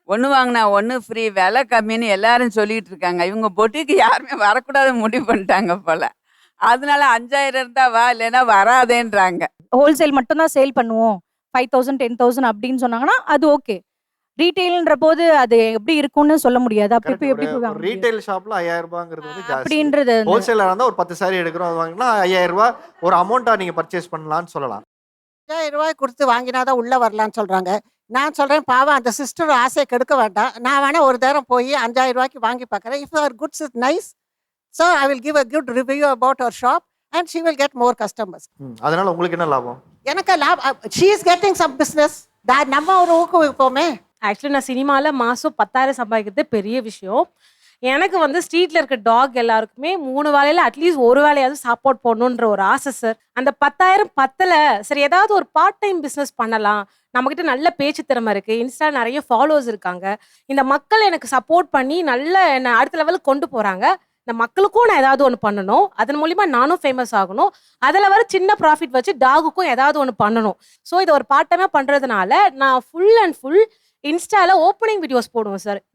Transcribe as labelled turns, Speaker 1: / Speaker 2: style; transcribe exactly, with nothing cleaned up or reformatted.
Speaker 1: ஒண்ணு வாங்குனா ஒண்ணு ஃப்ரீ விலை கம்மின்னு எல்லாரும் சொல்லிட்டு இருக்காங்க. இவங்க பொட்டிக்கு யாருமே வரக்கூடாதுன்னு முடிவு பண்ணிட்டாங்க போல. அதனால ஐந்தாயிரம் இருந்தா வா, இல்லைன்னா வராதேன்றாங்க.
Speaker 2: ஹோல்சேல் மட்டும் தான் சேல் பண்ணுவோம். ஐயாயிரம் பத்தாயிரம் அப்படின்னு சொன்னாங்கன்னா, அது ஓகே. ரீட்டெயில்ன்ற போது அது எப்படி இருக்கும்னு சொல்ல முடியாது. அப்ப
Speaker 3: கரெக்ட்.
Speaker 2: இப்ப
Speaker 3: ஒரு
Speaker 2: எப்படி போய்
Speaker 3: ஒரு
Speaker 2: வாங்க முடியும்?
Speaker 3: ரீட்டெயில் ஷாப்ல ரூ. ஐயாயிரம் வந்து ஜாஸ்தி.
Speaker 2: அப்படின்றது அந்த
Speaker 3: ஹோல்சேலரா இருந்தா ஒரு பத்து சாரி எடுக்கிறோம் அது வாங்கினா ரூ. ஐயாயிரம் ஒரு அமௌண்ட்டா நீங்க பர்ச்சேஸ் பண்ணலாம்னு சொல்லலாம்.
Speaker 4: ஐயாயிரம் ரூபாய் கொடுத்து வாங்கினா தான் உள்ள வரலான்னு சொல்றாங்க. நான் சொல்றேன் பாவம் அந்த சிஸ்டர் ஆசையை கெடுக்க வேண்டாம். நான் வேணா ஒரு தரம் போய் ஐயாயிரம் ரூபாய்க்கு வாங்கி பார்க்குறேன். இஃப் அவர் goods is nice, so I will give a good review about அவர் shop and she will get more customers.
Speaker 3: ம். அதனால உங்களுக்கு என்ன லாபம்?
Speaker 4: எனக்கு லாப் she is getting some business. நம்ம ஒரு ஊக்குவிப்போமே.
Speaker 5: ஆக்சுவலி நான் சினிமாவில் மாதம் பத்தாயிரம் சம்பாதிக்கிறது பெரிய விஷயம். எனக்கு வந்து ஸ்ட்ரீட்டில் இருக்க டாக் எல்லாருக்குமே மூணு வேலையில் அட்லீஸ்ட் ஒரு வேலையாவது சாப்பாட் போடணுன்ற ஒரு ஆசை சார். அந்த பத்தாயிரம் பத்தலை, சரி ஏதாவது ஒரு பார்ட் டைம் பிஸ்னஸ் பண்ணலாம். நம்மக்கிட்ட நல்ல பேச்சு திறமை இருக்குது, இன்ஸ்டா நிறைய ஃபாலோவர்ஸ் இருக்காங்க. இந்த மக்கள் எனக்கு சப்போர்ட் பண்ணி நல்ல என்னை அடுத்த லெவலுக்கு கொண்டு போகிறாங்க. இந்த மக்களுக்கும் நான் ஏதாவது ஒன்று பண்ணணும், அதன் மூலிமா நானும் ஃபேமஸ் ஆகணும். அதில் வர சின்ன ப்ராஃபிட் வச்சு டாகுக்கும் ஏதாவது ஒன்று பண்ணணும். ஸோ இதை ஒரு பார்ட் டைமாக பண்ணுறதுனால நான் ஃபுல் அண்ட் ஃபுல் இன்ஸ்டாவில் ஓப்பனிங் வீடியோஸ் போடுவேன் சார்.